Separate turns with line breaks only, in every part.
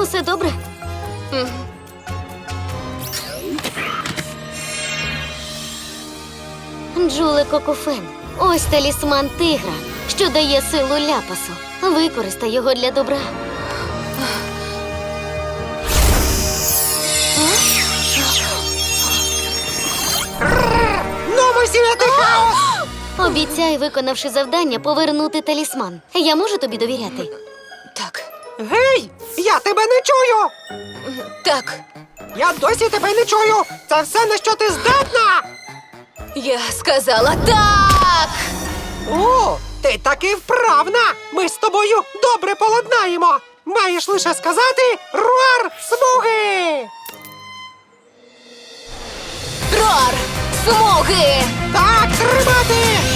Усе добре? Джуле Кокофен. Ось талісман тигра, що дає силу ляпасу. Використай його для добра.
Ну, ми сіяти хаос!
Обіцяй, виконавши завдання, повернути талісман. Я можу тобі довіряти?
Так,
Гей! Я тебе не чую!
так.
Я досі тебе не чую! Це все, на що ти здатна!
Я сказала так!
О, ти таки вправна! Ми з тобою добре поладнаємо! Маєш лише сказати «Руар смуги!»
Рор! Смуги!
Так тримати!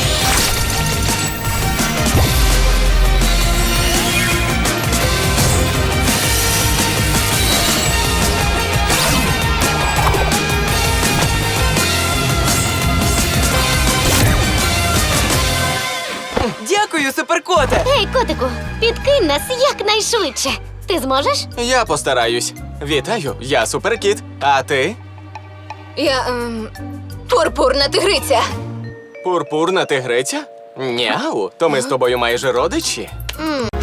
Дякую, суперкоте!
Ей, котику, підкинь нас якнайшвидше. Ти зможеш?
Я постараюсь. Вітаю, я суперкіт. А ти?
Я, пурпурна тигриця.
Пурпурна тигриця? Няу, то ми з тобою майже родичі.